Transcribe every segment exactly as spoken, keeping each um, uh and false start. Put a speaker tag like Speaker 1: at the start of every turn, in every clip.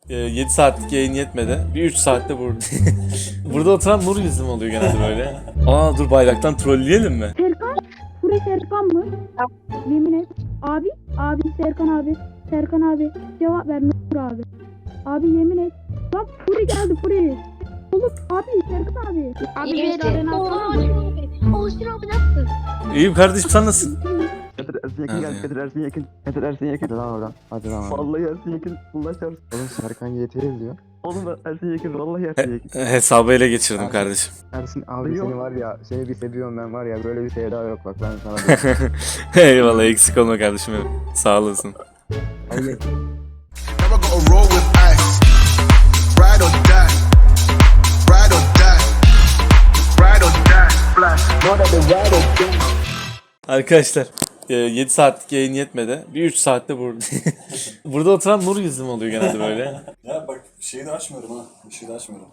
Speaker 1: yedi saatlik yayın yetmedi. Bir üç saatte burada. Burada oturan Nur yüzüm oluyor genelde böyle. Aa dur bayraktan trolleyelim mi?
Speaker 2: Serkan? Furi Serkan mı? Yemin et. Abi, abi Serkan abi. Serkan abi. Cevap ver Nur abi. Abi yemin et. Bak Furi geldi Furi. Oğlum abi Serkan abi. Abi
Speaker 3: İyi
Speaker 2: bir arena
Speaker 3: Oo,
Speaker 2: atsana
Speaker 3: Osman
Speaker 2: mı?
Speaker 3: abi. Osman abi nasılsın?
Speaker 1: İyiyim kardeşim sen nasılsın?
Speaker 4: Getir Ersin yakın
Speaker 1: Hadi
Speaker 4: gel,
Speaker 1: ya.
Speaker 4: getir Ersin yakın. Getir Ersin yakın.
Speaker 5: Hadi lan oradan. Hadi lan oradan.
Speaker 4: Vallahi Ersin yakın. Allah çarpsın.
Speaker 5: Oğlum Serkan Y T L diyor.
Speaker 4: Oğlum ben Ersin yakın. Vallahi Ersin yakın.
Speaker 1: Hesabı ele geçirdim kardeşim.
Speaker 5: Ersin abi
Speaker 4: Yok.
Speaker 5: seni var ya, seni bir seviyorum ben var ya, böyle bir sevda yok bak ben sana diyeyim.
Speaker 1: Eyvallah eksik olma kardeşim benim. Sağ olasın.
Speaker 5: Hayır.
Speaker 6: Never gonna roll with ice. Ride or die. Ride or die. Ride or die. Flash.
Speaker 1: Arkadaşlar yedi saatlik yayın yetmedi. Bir üç saatte burada. Burada oturan Nur yüzüm oluyor genelde böyle.
Speaker 7: Ya bak şeyi de açmıyorum ha. Bir şey de açmıyorum.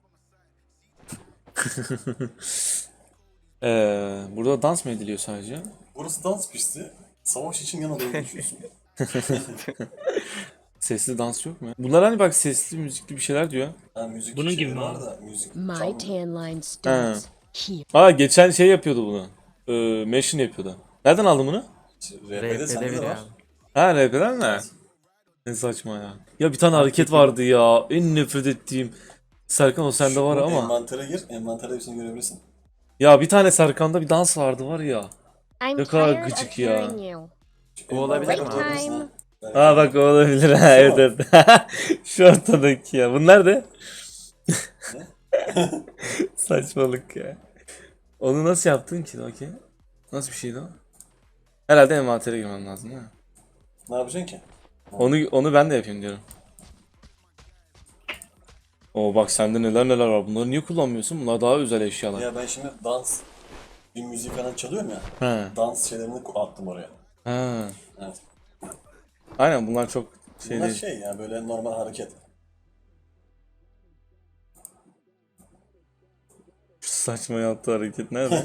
Speaker 1: Ee, burada dans mı ediliyor sadece?
Speaker 7: Burası dans pisti. Savaş için yana doğru düşüyorsun.
Speaker 1: Sesli dans yok mu? Bunlar hani bak sesli müzikli bir şeyler diyor.
Speaker 7: Ha, müzik
Speaker 8: Bunun
Speaker 7: şeyleri
Speaker 8: gibi mi
Speaker 7: var
Speaker 8: abi?
Speaker 7: da müzik
Speaker 9: My
Speaker 7: çalmıyor.
Speaker 9: tan line
Speaker 1: Ha.
Speaker 9: starts here.
Speaker 1: Aa geçen şey yapıyordu bunu. Ee, Machine yapıyordu. Nereden aldın bunu?
Speaker 7: R P'de sende de var.
Speaker 1: Ha R P'den mi? Ne saçma ya. Ya bir tane hareket vardı ya. En nefret ettiğim. Serkan o sende var
Speaker 7: Şu
Speaker 1: ama.
Speaker 7: Envantere gir. Envantere hepsini görebilirsin.
Speaker 1: Ya bir tane Serkan'da bir dans vardı var ya.
Speaker 9: I'm
Speaker 1: Ne kadar
Speaker 9: tired
Speaker 1: gıcık
Speaker 9: of
Speaker 1: ya.
Speaker 9: hearing you.
Speaker 7: Şu
Speaker 8: olabilir
Speaker 7: envantere
Speaker 8: mi?
Speaker 7: görebilirsin ha. Belki.
Speaker 1: Ha bak o olabilir ha evet evet. Şu ortadaki ya. Bunlar da saçmalık ya. Onu nasıl yaptın ki okey? Nasıl bir şeydi o? Herhalde envantere girmem lazım değil mi?
Speaker 7: Ne yapacaksın ki?
Speaker 1: Onu onu ben de yapayım diyorum. Oo bak sende neler neler var. Bunları niye kullanmıyorsun? Bunlar daha özel eşyalar.
Speaker 7: Ya ben şimdi dans bir müzik falan çalıyorum ya.
Speaker 1: He.
Speaker 7: Dans şeylerini attım oraya.
Speaker 1: Ha.
Speaker 7: Evet.
Speaker 1: Aynen bunlar çok şey
Speaker 7: Bunlar
Speaker 1: değil.
Speaker 7: şey ya böyle normal hareket.
Speaker 1: Şu saçma yaptığı hareket nerede?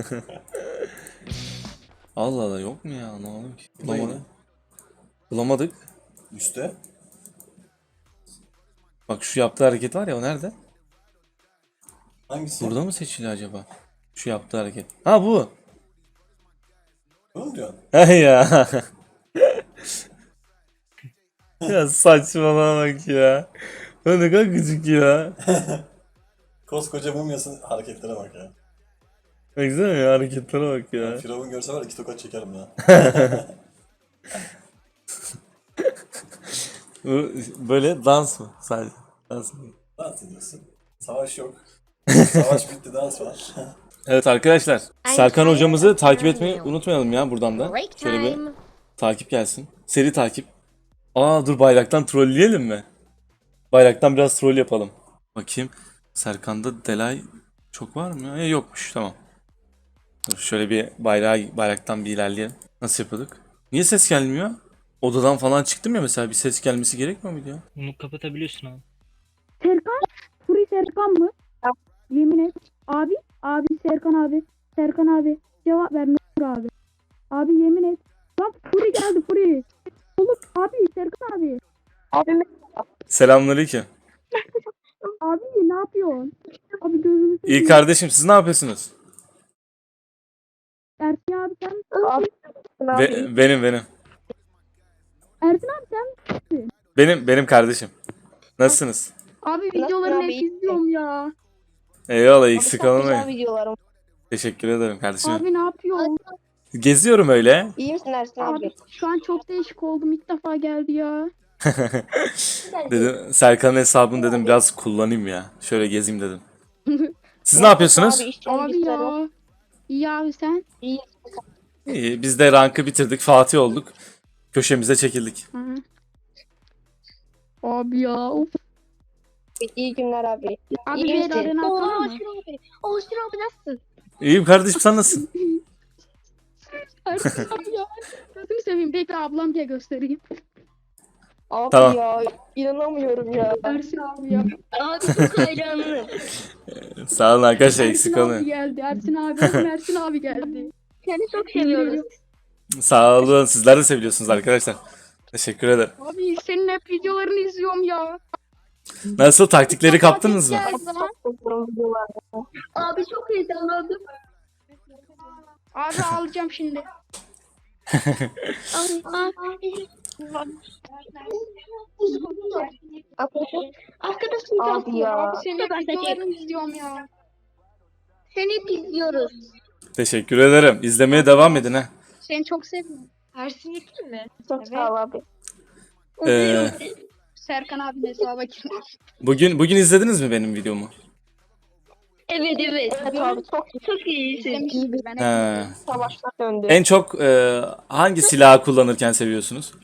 Speaker 1: Allah Allah yok mu ya? Anlamadım ki. Bulamadık. Bulamadık.
Speaker 7: Üste.
Speaker 1: Bak şu yaptığı hareket var ya o nerede?
Speaker 7: Hangisi?
Speaker 1: Burada mı seçili acaba? Şu yaptığı hareket. Ha bu.
Speaker 7: Bunu mu diyorsun?
Speaker 1: He ya. Ya saçmalama bak ya. O ne kadar gıcık ya.
Speaker 7: Koskoca mumyasın hareketlere bak ya.
Speaker 1: Baksana ya hareketlere bak ya.
Speaker 7: Firavun görse var iki tokat çekerim ya.
Speaker 1: Bu böyle dans mı? Sadece dans mı?
Speaker 7: Dans ediyorsun. Savaş yok. Savaş bitti, dans var.
Speaker 1: Evet arkadaşlar. Serkan hocamızı takip etmeyi unutmayalım ya buradan da.
Speaker 9: Break
Speaker 1: Şöyle bir
Speaker 9: time.
Speaker 1: takip gelsin. Seri takip. Aa dur bayraktan trolleyelim mi? Bayraktan biraz troll yapalım. Bakayım. Serkan'da delay çok var mı ya? Ya yokmuş tamam. Dur şöyle bir bayrağı, bayraktan bir ilerleyelim. Nasıl yapıyorduk? Niye ses gelmiyor? Odadan falan çıktım ya mesela bir ses gelmesi gerekmiyor muydu ya?
Speaker 8: Bunu kapatabiliyorsun abi.
Speaker 2: Serkan? Furi Serkan mı? Yemin et. Abi, abi Serkan abi. Serkan abi. Cevap ver Nur abi. Abi yemin et. Bak Furi geldi Furi. Oğlum abi Serkan abi.
Speaker 1: Selamünaleyküm.
Speaker 2: Abi ne yapıyorsun? Abi gözünü
Speaker 1: İyi
Speaker 2: seveyim.
Speaker 1: kardeşim siz ne yapıyorsunuz?
Speaker 2: Ersin abi sen misin?
Speaker 1: Be- benim benim.
Speaker 2: Ersin abi sen
Speaker 1: Benim benim kardeşim. Nasılsınız?
Speaker 2: Abi videolarını
Speaker 3: abi?
Speaker 2: hep izliyorum ya.
Speaker 1: Eyvallah eksik
Speaker 3: Çok güzel
Speaker 1: olmayın.
Speaker 3: videolarım.
Speaker 1: Teşekkür ederim kardeşim.
Speaker 2: Abi ne yapıyorsun?
Speaker 1: Geziyorum öyle.
Speaker 3: İyi misin Ersin abi?
Speaker 2: Abi şu an çok değişik oldum. İlk defa geldi ya.
Speaker 1: Dedim Serkan'ın hesabını dedim biraz kullanayım ya. Şöyle gezeyim dedim. Siz ne yapıyorsunuz?
Speaker 3: Abi, işte
Speaker 2: Abi ya. İyi abi sen.
Speaker 3: İyi.
Speaker 1: İyi biz de rankı bitirdik. Fatih olduk. Köşemize çekildik.
Speaker 2: Hı. Abi ya. Of.
Speaker 3: İyi günler abi.
Speaker 2: Abi
Speaker 3: İyi
Speaker 2: bir
Speaker 3: misin?
Speaker 2: arena
Speaker 3: Oo,
Speaker 2: atsana mı?
Speaker 3: Osman abi. Osman abi nasılsın?
Speaker 1: İyiyim kardeşim sen nasılsın?
Speaker 2: Ersin abi ya. Gözünü seveyim. Bekle ablam diye göstereyim.
Speaker 3: Abi
Speaker 1: Tamam.
Speaker 3: ya inanamıyorum ya.
Speaker 2: Ersin abi ya.
Speaker 3: Abi çok hayranım.
Speaker 1: Sağ olun arkadaşlar
Speaker 2: Ersin
Speaker 1: eksik
Speaker 2: abi
Speaker 1: olmayın.
Speaker 2: geldi. Ersin abi. Oğlum Ersin abi geldi.
Speaker 3: Seni çok seviyoruz.
Speaker 1: Sağ olun sizler de seviyorsunuz arkadaşlar. Teşekkür ederim.
Speaker 2: Abi senin hep videolarını izliyorum ya.
Speaker 1: Nasıl, taktikleri kaptınız mı?
Speaker 3: Abi çok heyecanlandım.
Speaker 2: Abi alacağım şimdi.
Speaker 3: Abi, abi. Arkadaşım
Speaker 8: Abi ya.
Speaker 2: Abi senin videolarını izliyorum ya.
Speaker 3: Seni hep izliyoruz.
Speaker 1: Teşekkür ederim. İzlemeye devam edin ha.
Speaker 2: Seni çok seviyorum.
Speaker 3: Ersin Yekin mi?
Speaker 8: Çok sağ ol abi.
Speaker 1: Ee,
Speaker 2: Serkan abinin hesaba girmiş.
Speaker 1: bugün bugün izlediniz mi benim videomu?
Speaker 3: Evet evet.
Speaker 8: Evet abi çok
Speaker 3: Çok iyisin.
Speaker 2: İzlemiştim ben.
Speaker 1: He.
Speaker 8: savaşlar döndü.
Speaker 1: En çok e, hangi silahı kullanırken seviyorsunuz?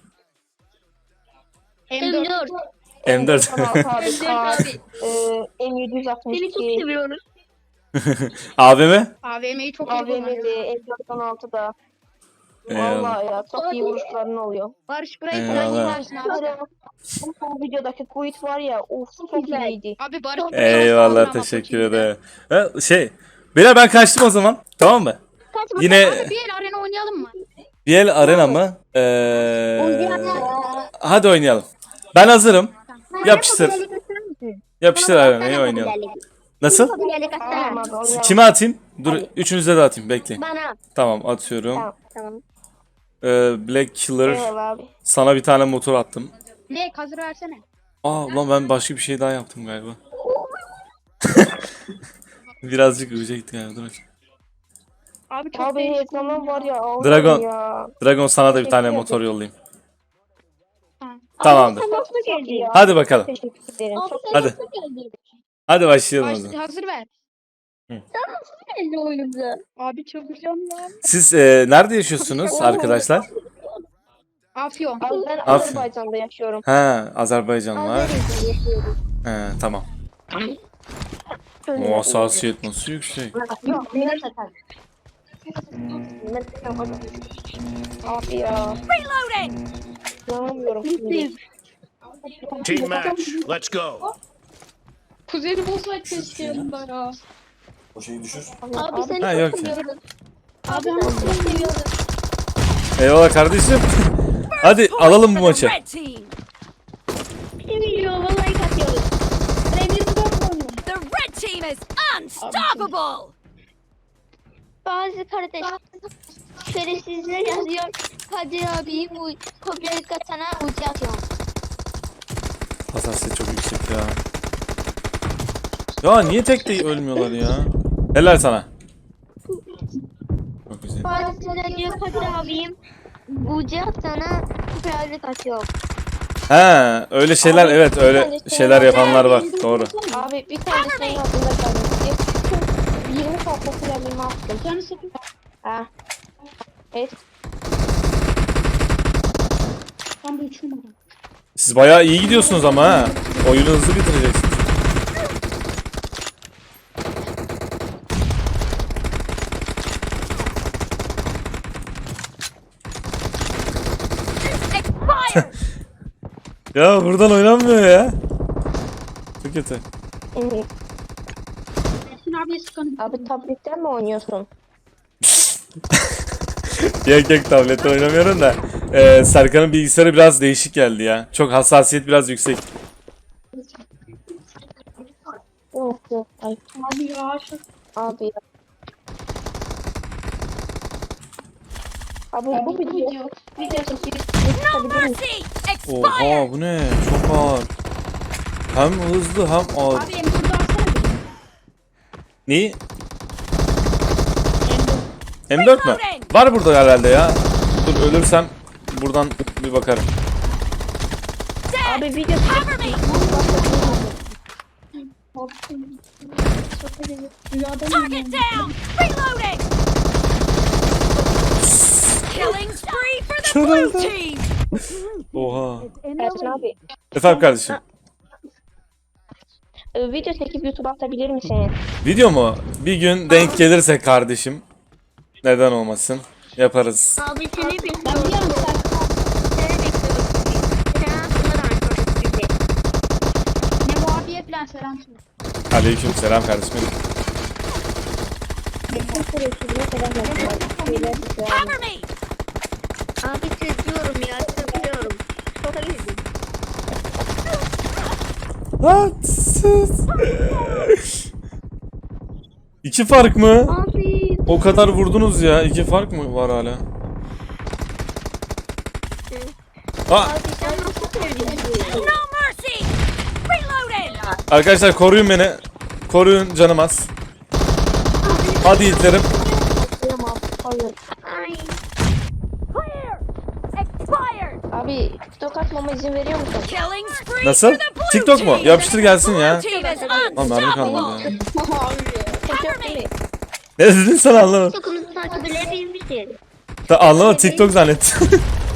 Speaker 2: M dört.
Speaker 3: M dört.
Speaker 1: M dört.
Speaker 8: Tamam abi.
Speaker 3: M dört
Speaker 8: Kar,
Speaker 3: abi.
Speaker 8: e, M yedi yüz altmış
Speaker 3: Seni çok
Speaker 8: iki.
Speaker 3: seviyoruz.
Speaker 1: A V M?
Speaker 2: A V M'yi çok iyi
Speaker 8: A V M'de
Speaker 2: kullanıyor.
Speaker 8: M dört on altıda.
Speaker 1: Eyvallah.
Speaker 8: Vallahi ya çok iyi vuruşların oluyor.
Speaker 2: Barış burayı
Speaker 1: Eyvallah.
Speaker 2: kullanıyorsun abi.
Speaker 8: Bu videodaki quit var ya of çok
Speaker 3: güzel.
Speaker 8: iyiydi.
Speaker 2: Abi Barış burayı
Speaker 1: Eyvallah,
Speaker 2: kullanıyor ama
Speaker 1: teşekkür
Speaker 2: çok iyi.
Speaker 1: ederim. Ha, şey, beyler ben kaçtım o zaman. Tamam mı?
Speaker 3: Kaçma.
Speaker 1: Yine
Speaker 2: Abi bir el arena oynayalım mı?
Speaker 1: bir el arena mı? Ee, hadi oynayalım. Ben hazırım. Yapıştır. Yapıştır arenayı oynayalım. Nasıl?
Speaker 8: Tamam abi oynayalım.
Speaker 1: Kime atayım? Dur, üçünüze de atayım. Bekleyin.
Speaker 3: Bana.
Speaker 1: Tamam, atıyorum.
Speaker 8: Tamam tamam.
Speaker 1: Ee, Black Killer.
Speaker 8: Eyvallah abi.
Speaker 1: Sana bir tane motor attım.
Speaker 2: Ne hazır versene.
Speaker 1: Aa ulan ben başka bir şey daha yaptım galiba. Birazcık uca gitti galiba. Dur bakayım.
Speaker 2: Abi çok
Speaker 8: Abi
Speaker 2: değişik.
Speaker 8: ekranım var ya. Allah'ım
Speaker 1: Dragon.
Speaker 8: Ya.
Speaker 1: Dragon sana da bir tane
Speaker 8: Teşekkür
Speaker 1: motor yollayayım.
Speaker 2: Ha.
Speaker 1: Tamamdır.
Speaker 3: Nasıl geldi?
Speaker 8: Ya.
Speaker 1: Hadi bakalım.
Speaker 8: Teşekkür ederim. Çok
Speaker 1: Hadi. Hadi başlayalım o
Speaker 2: Baş,
Speaker 1: zaman.
Speaker 2: hazır ver.
Speaker 3: Geldi oyunumuza.
Speaker 2: Abi çıldıracağım ya.
Speaker 1: Siz e, nerede yaşıyorsunuz arkadaşlar?
Speaker 2: Afyon.
Speaker 8: Abi ben
Speaker 1: Aferin.
Speaker 8: Azerbaycan'da yaşıyorum.
Speaker 1: Ha, Azerbaycan var.
Speaker 8: Azerbaycan'da yaşıyorum.
Speaker 1: He, tamam.
Speaker 8: Öyle.
Speaker 1: O hassasiyet nasıl yüksek?
Speaker 8: Yok, benim zaten. Abi ya. İnanamıyorum şimdi.
Speaker 6: Team match. Let's go.
Speaker 2: Kuzeni bozmak keşke yanında ya.
Speaker 7: O şeyi düşür.
Speaker 3: Abi seni
Speaker 1: Ha,
Speaker 3: çok
Speaker 1: yok ya.
Speaker 3: seviyoruz.
Speaker 2: Abi
Speaker 3: Abi seni çok seviyoruz.
Speaker 1: Eyvallah kardeşim. Hadi alalım bu maçı.
Speaker 3: Seviyor. Vallahi katıyoruz.
Speaker 2: ben bir dört oynuyorum.
Speaker 9: The red team is unstoppable.
Speaker 3: Bazı kardeş şerefsizler yazıyor. Kadir abi bu kopyalı katana ucu atıyor.
Speaker 1: Hassasiyet çok yüksek ya. Ya niye tek de ölmüyorlar ya? Helal sana. Çok güzel.
Speaker 3: Bazıları diyor Kadir abim ucu atana kopyalı atıyor.
Speaker 1: He, öyle şeyler,
Speaker 8: Abi,
Speaker 1: evet,
Speaker 8: bir
Speaker 1: öyle
Speaker 8: tane şey
Speaker 1: şeyler
Speaker 8: var.
Speaker 1: yapanlar var. Doğru.
Speaker 8: Abi bir tanesinin adında kalmış. yirmi farklı silahımı attım.
Speaker 2: Canı sıkı.
Speaker 8: Ha. Evet.
Speaker 2: Tam bir üç numara.
Speaker 1: Siz bayağı iyi gidiyorsunuz ama ha. Oyunu hızlı bitireceksiniz.
Speaker 9: Expired.
Speaker 1: Ya buradan oynanmıyor ya. Çok kötü.
Speaker 8: Evet.
Speaker 2: Ersin abiye sıkanım.
Speaker 8: Abi tabletten mi oynuyorsun?
Speaker 1: Yok yok, tablette oynamıyorum da. Ee, Serkan'ın bilgisayarı biraz değişik geldi ya. Çok hassasiyet biraz yüksek.
Speaker 8: Yok yok. Ay
Speaker 2: Abi ya şu.
Speaker 8: abi ya. Abi bu video video çekip
Speaker 9: No mercy. Expired.
Speaker 1: Oha bu ne? Çok ağır. Hem hızlı hem ağır.
Speaker 2: Abi M dört'ü alsana bir.
Speaker 1: Neyi? M dört mü? Var burada herhalde ya. Dur ölürsem buradan bir bakarım.
Speaker 8: abi video
Speaker 9: Cover me.
Speaker 2: Rüyada
Speaker 9: Target down. Reloading. Killing spree for the blue team.
Speaker 1: Oha.
Speaker 8: Ersin abi.
Speaker 1: Efendim kardeşim.
Speaker 8: e, Video çekip YouTube'a atabilir misin?
Speaker 1: Video mu? Bir gün denk gelirse kardeşim. Neden olmasın? Yaparız.
Speaker 3: Abi seni
Speaker 2: Ben
Speaker 3: bekliyoruz.
Speaker 2: bir yarım Serkan.
Speaker 3: Seni bekliyoruz. Sen aslında da arkadaşız bizi.
Speaker 2: Ne bu abiye falan selam söyle.
Speaker 1: Aleyküm selam kardeşim.
Speaker 9: Cover me.
Speaker 3: Abi seviyorum ya seviyorum. Çok seviyorum.
Speaker 1: Lan sus. İki fark mı?
Speaker 3: Abi.
Speaker 1: O kadar vurdunuz ya. İki fark mı var hala? Aa,
Speaker 3: Abi sen nasıl söylüyorsun?
Speaker 9: No mercy! Reloading!
Speaker 1: arkadaşlar koruyun beni. Koruyun canım az. Hadi yiğitlerim.
Speaker 8: Tamam. Hayır.
Speaker 3: Ay.
Speaker 9: Clear! Expired!
Speaker 8: Abi TikTok atmama izin veriyor musun?
Speaker 9: Killing spree
Speaker 1: Nasıl?
Speaker 9: for the blue
Speaker 1: TikTok mu?
Speaker 9: team!
Speaker 1: Yapıştır gelsin ya.
Speaker 9: Blue team is
Speaker 1: Lan mermi kalmadı ya.
Speaker 8: TikTok değil mi?
Speaker 1: Ne dedin sen anlamadım.
Speaker 3: Tokunuzu takip edebilir misin?
Speaker 1: Ta anlamadım, TikTok zannettim.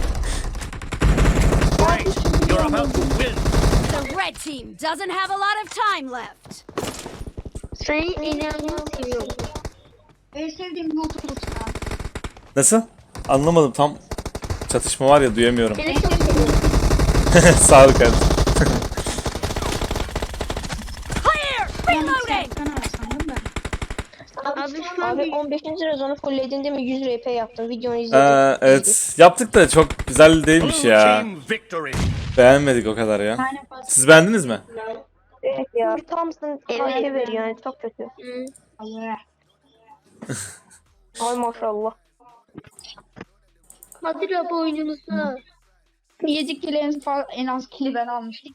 Speaker 9: The red team doesn't have a lot of time left.
Speaker 3: Seni inanılmaz seviyorum.
Speaker 1: Nasıl? Anlamadım, tam çatışma var ya, duyamıyorum.
Speaker 3: Seni çok seviyorum.
Speaker 1: Sağ ol kardeşim.
Speaker 9: Clear! Reloading!
Speaker 3: Abi şu an
Speaker 8: Abi
Speaker 3: bir
Speaker 8: on beşinci sezonu fullledin değil mi? yüz R P yaptım. Videonu izledim.
Speaker 1: Ee, evet, yaptık da çok güzel değilmiş ya. Beğenmedik o kadar ya. Siz beğendiniz mi?
Speaker 8: Evet ya. Bir Thompson
Speaker 3: Evet.
Speaker 8: evet. veriyor yani çok kötü.
Speaker 3: Hı.
Speaker 8: Ay maşallah.
Speaker 3: Hatırla bu oyunumuzu.
Speaker 2: yedi kilo en, fa- en az kili ben almıştım.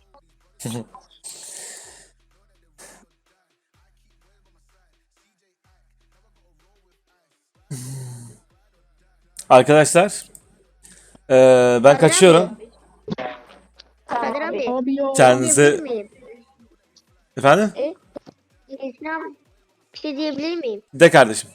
Speaker 1: Arkadaşlar, ee, ben kaçıyorum.
Speaker 3: Kadir abi.
Speaker 2: Abi ya.
Speaker 1: Kendinize...
Speaker 3: Diyebilir miyim?
Speaker 1: Efendim?
Speaker 3: Esra abi, bir şey diyebilir miyim?
Speaker 1: De kardeşim.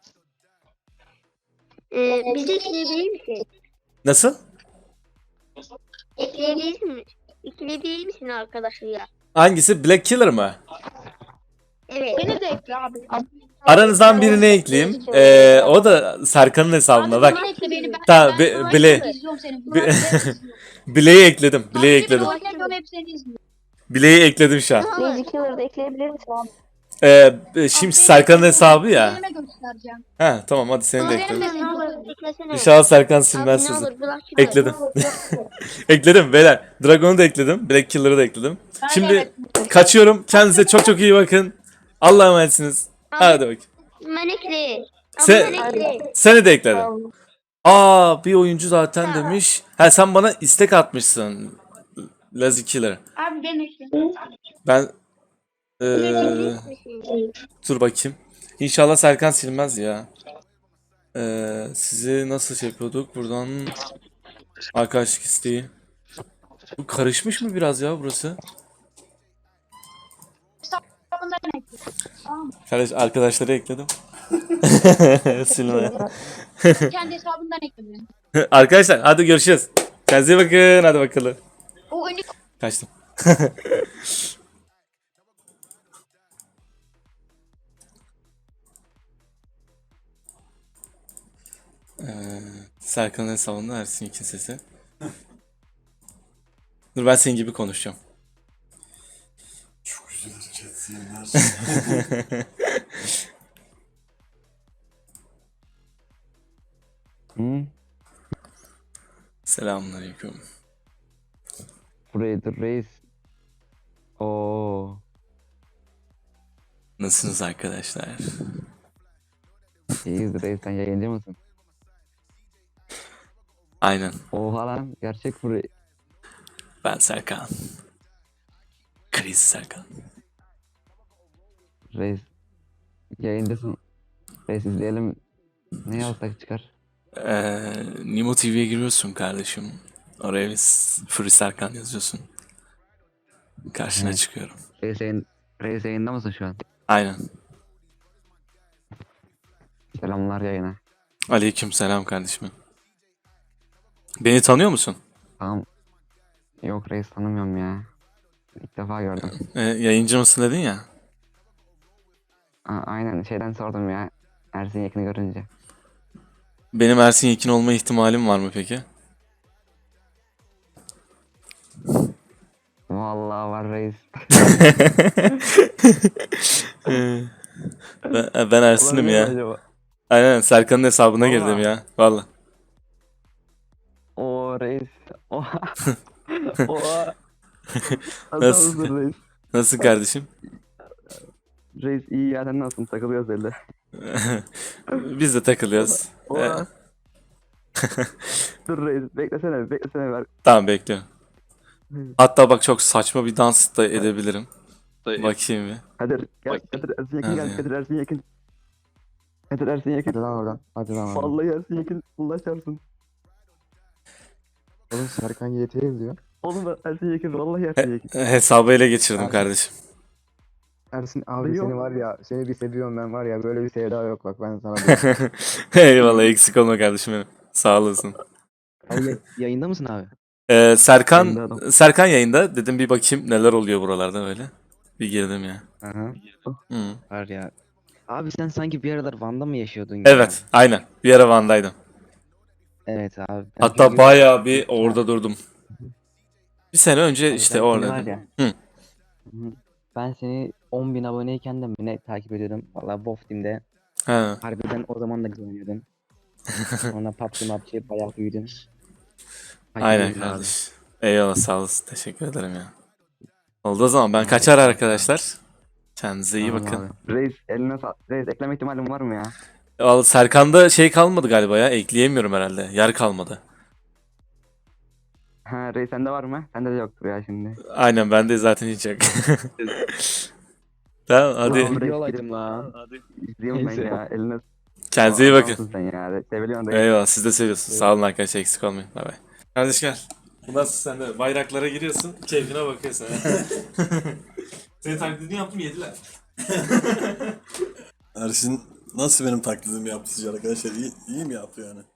Speaker 3: Ee, bizi ekleyebilir misin?
Speaker 1: Nasıl?
Speaker 3: Ekleyebilir misin? Ekleyebilir misin arkadaşı ya?
Speaker 1: Hangisi? Black Killer mı?
Speaker 3: Evet.
Speaker 2: Beni de ekle abi.
Speaker 1: Aranızdan birini ekleyeyim. Ee, o da Serkan'ın hesabında. Bak.
Speaker 2: Beni ekle beni. Ben,
Speaker 1: Tamam,
Speaker 2: ben
Speaker 1: Be-
Speaker 2: Savaş'ı
Speaker 1: Bile-
Speaker 2: da izliyorum seni.
Speaker 1: Bi- Bileği ekledim. Bileği ekledim.
Speaker 2: Savaş'ı izliyorum, hep seni izliyorum.
Speaker 1: Bileği ekledim şu an.
Speaker 8: Lazy Killer'da ekleyebilir misin abi?
Speaker 1: Ee, şimdi Serkan'ın hesabı ya.
Speaker 2: Elime göstereceğim.
Speaker 1: He tamam, hadi seni de
Speaker 2: Benim
Speaker 1: ekledim.
Speaker 2: de
Speaker 3: Ne olur eklesene.
Speaker 1: İnşallah Serkan
Speaker 3: Abi
Speaker 1: silmez
Speaker 3: ne
Speaker 1: sizi.
Speaker 3: olur bırak şunu.
Speaker 1: Ekledim. Ekledim beyler. Dragon'u da ekledim. Black Killer'ı da ekledim. Şimdi kaçıyorum. Kendinize çok çok iyi bakın. Allah'a emanetsiniz. Hadi bakayım.
Speaker 3: Manekli.
Speaker 1: Sen-
Speaker 3: Sen... Manekli.
Speaker 1: Seni de ekledim. Aa, bir oyuncu zaten demiş. Ha, sen bana istek atmışsın. Lazy Killer.
Speaker 2: Abi beni ekle.
Speaker 1: Ben eee dur bakayım. İnşallah Serkan silmez ya. Eee sizi nasıl şey yapıyorduk? Buradan arkadaşlık isteği. Bu karışmış mı biraz ya burası?
Speaker 2: Hesabından ekle.
Speaker 1: Kardeş, arkadaşları ekledim. Silme.
Speaker 2: Kendi hesabından ekle beni.
Speaker 1: Arkadaşlar hadi görüşürüz. Kendinize iyi bakın. Hadi bakalım.
Speaker 2: O önü
Speaker 1: Kaçtım. Ee, Serkan'ın hesabında Ersin iki sesi. Dur, ben senin gibi konuşacağım.
Speaker 7: Çok güzel chatsinler.
Speaker 4: Hı?
Speaker 1: Selamünaleyküm.
Speaker 4: Burayı dur reis. Oo.
Speaker 1: Nasılsınız arkadaşlar?
Speaker 4: İyiyiz reis, sen yayıncı mısın?
Speaker 1: Aynen.
Speaker 4: Oha lan, gerçek burayı.
Speaker 1: Ben Serkan. Kriz Serkan.
Speaker 4: Reis. Yayıncısın. Reis izleyelim. Ne yazsak çıkar?
Speaker 1: Ee, Nimo T V'ye giriyorsun kardeşim. Oraya biz Free Serkan yazıyorsun. Karşına
Speaker 4: Evet.
Speaker 1: çıkıyorum.
Speaker 4: Reis, yayın, reis yayında mısın şu an?
Speaker 1: Aynen.
Speaker 4: Selamlar yayına.
Speaker 1: Aleyküm selam kardeşim. Beni tanıyor musun?
Speaker 4: Tamam. Yok reis, tanımıyorum ya. İlk defa gördüm.
Speaker 1: Ee, yayıncı mısın dedin ya.
Speaker 4: A- aynen şeyden sordum ya. Ersin Yekin'i görünce.
Speaker 1: Benim Ersin Yekin olma ihtimalim var mı peki?
Speaker 4: Vallahi var reis.
Speaker 1: Ee, ben, ben Ersin'im
Speaker 4: Olabilir mi
Speaker 1: ya.
Speaker 4: acaba?
Speaker 1: Aynen, Serkan'ın hesabına
Speaker 4: Vallahi.
Speaker 1: girdim ya. Valla.
Speaker 4: Oo reis. Oha. Oha.
Speaker 1: Nasıl?
Speaker 4: Adamsın reis.
Speaker 1: Nasılsın kardeşim?
Speaker 4: Reis iyi ya, sen nasılsın? Takılıyoruz öyle.
Speaker 1: Biz de takılıyoruz.
Speaker 4: Oha. Dur reis, beklesene, beklesene ver.
Speaker 1: Tamam, bekliyorum. Hatta bak, çok saçma bir dans da edebilirim. Bakayım bir.
Speaker 4: Kadir, gel, Kadir Ersin Yekin
Speaker 1: Hadi
Speaker 4: gel,
Speaker 1: ya.
Speaker 4: Kadir Ersin Yekin. Kadir Ersin Yekin.
Speaker 5: Hadi lan oradan. Hadi lan oradan.
Speaker 4: Vallahi Ersin Yekin, Allah çarpsın.
Speaker 5: Oğlum Serkan Y T yazıyor.
Speaker 4: Oğlum ben Ersin Yekin, vallahi Ersin Yekin.
Speaker 1: Hesabı ele geçirdim
Speaker 5: Abi.
Speaker 1: kardeşim.
Speaker 5: Ersin abi
Speaker 4: Yok.
Speaker 5: seni var ya, seni bir seviyorum ben var ya, böyle bir sevda yok bak ben sana diyeyim.
Speaker 1: Eyvallah, eksik olma kardeşim benim. Sağ olasın.
Speaker 4: Abi yayında mısın abi?
Speaker 1: Ee, Serkan
Speaker 4: Yayında adam.
Speaker 1: Serkan yayında. Dedim bir bakayım neler oluyor buralarda böyle. Bir girdim ya.
Speaker 4: Aha.
Speaker 1: Hı.
Speaker 4: Var ya. Abi sen sanki bir aralar Van'da mı yaşıyordun ya?
Speaker 1: Evet, aynen. Bir ara Van'daydım.
Speaker 4: Evet abi. Ben
Speaker 1: Hatta
Speaker 4: çünkü-
Speaker 1: bayağı bir orada durdum. Bir sene önce
Speaker 4: Abi
Speaker 1: işte
Speaker 4: ben seni
Speaker 1: orada.
Speaker 4: var ya-
Speaker 1: Hı.
Speaker 4: Hı. Ben seni on bin aboneyken de mi ne takip ediyordum. Valla Bof Team'de.
Speaker 1: Ha.
Speaker 4: Harbiden o zaman da güzel oynuyordun. Sonra P U B G, M U B G bayağı büyüdün. Takip
Speaker 1: Aynen
Speaker 4: ediyoruz abi.
Speaker 1: kardeş. Eyvallah, sağ olasın. Teşekkür ederim ya. Oldu o zaman. Ben kaçar arkadaşlar. Kendinize iyi
Speaker 4: Tamam
Speaker 1: bakın.
Speaker 4: abi. Reis eline sağ... Reis ekleme ihtimalim var mı ya?
Speaker 1: Vallahi Serkan'da şey kalmadı galiba ya. Ekleyemiyorum herhalde. Yer kalmadı.
Speaker 4: Ha Reis sende var mı? Sende de yoktur ya şimdi.
Speaker 1: Aynen, bende zaten hiç yok. Tamam, hadi.
Speaker 4: Ulan Video olaydım lan. İzliyorum ben
Speaker 8: Neyse.
Speaker 4: ya. Eline
Speaker 1: Kendinize iyi bakın.
Speaker 4: Adamsın sen ya. Seviliyorsun da.
Speaker 1: Eyvallah, siz de seviyorsunuz. Sağ olun arkadaşlar, eksik olmayın. Bay bay. Kardeş gel. Bundan sonra sen de bayraklara giriyorsun, keyfine bakıyorsun. Senin taklidini yaptım, yediler.
Speaker 7: Ersin nasıl benim taklidimi yaptı sizce arkadaşlar? İyi, iyi mi yaptı yani?